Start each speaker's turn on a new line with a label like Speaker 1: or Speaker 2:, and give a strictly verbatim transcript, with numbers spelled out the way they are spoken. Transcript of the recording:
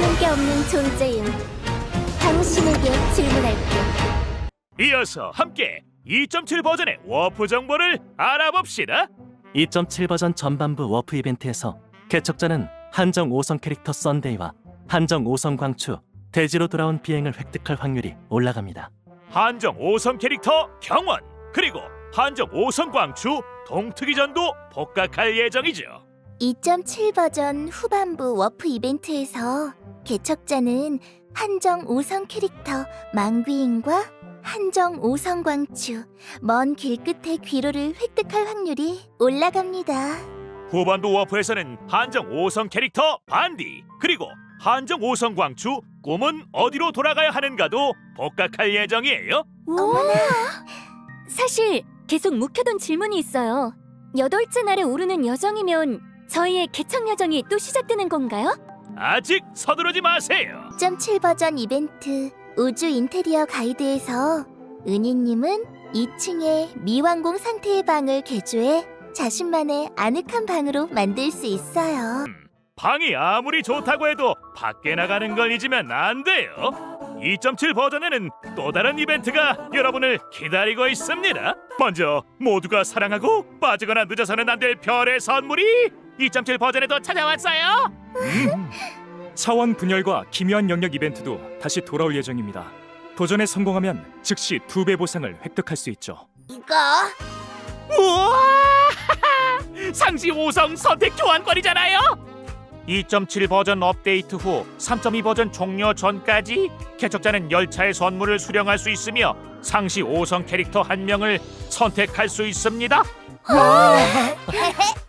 Speaker 1: 게 없는 존재임. 당신에게 질문할게.
Speaker 2: 이어서 함께 이 점 칠 버전의 워프 정보를 알아봅시다.
Speaker 3: 이 점 칠 버전 전반부 워프 이벤트에서 개척자는 한정 오 성 캐릭터 썬데이와 한정 오 성 광추, 대지로 돌아온 비행을 획득할 확률이 올라갑니다.
Speaker 2: 한정 오 성 캐릭터 경원, 그리고 한정 오 성 광추, 동특이전도 복각할 예정이죠.
Speaker 1: 이 점 칠 버전 후반부 워프 이벤트에서 개척자는 한정 오 성 캐릭터 망귀인과 한정 오 성 광추, 먼 길끝의 귀로를 획득할 확률이 올라갑니다.
Speaker 2: 후반부 워프에서는 한정 오 성 캐릭터 반디, 그리고 한정 오 성 광추, 꿈은 어디로 돌아가야 하는가도 복각할 예정이에요.
Speaker 1: 어머나!
Speaker 4: 사실 계속 묵혀둔 질문이 있어요. 여덟째 날에 오르는 여정이면 저희의 개척 여정이 또 시작되는 건가요?
Speaker 2: 아직 서두르지 마세요.
Speaker 1: 이 점 칠 버전 이벤트 우주 인테리어 가이드에서 은희님은 이 층의 미완공 상태의 방을 개조해 자신만의 아늑한 방으로 만들 수 있어요.
Speaker 2: 방이 아무리 좋다고 해도 밖에 나가는 걸 잊으면 안 돼요. 이 점 칠 버전에는 또 다른 이벤트가 여러분을 기다리고 있습니다. 먼저 모두가 사랑하고 빠지거나 늦어서는 안 될 별의 선물이 이 점 칠 버전에도 찾아왔어요.
Speaker 5: 음. 차원 분열과 기묘한 영역 이벤트도 다시 돌아올 예정입니다. 도전에 성공하면 즉시 두 배 보상을 획득할 수 있죠.
Speaker 1: 이거
Speaker 2: 우와! 상시 오 성 선택 교환권이잖아요. 이 점 칠 버전 업데이트 후 삼 점 이 버전 종료 전까지 개척자는 열차의 선물을 수령할 수 있으며 상시 오 성 캐릭터 한 명을 선택할 수 있습니다.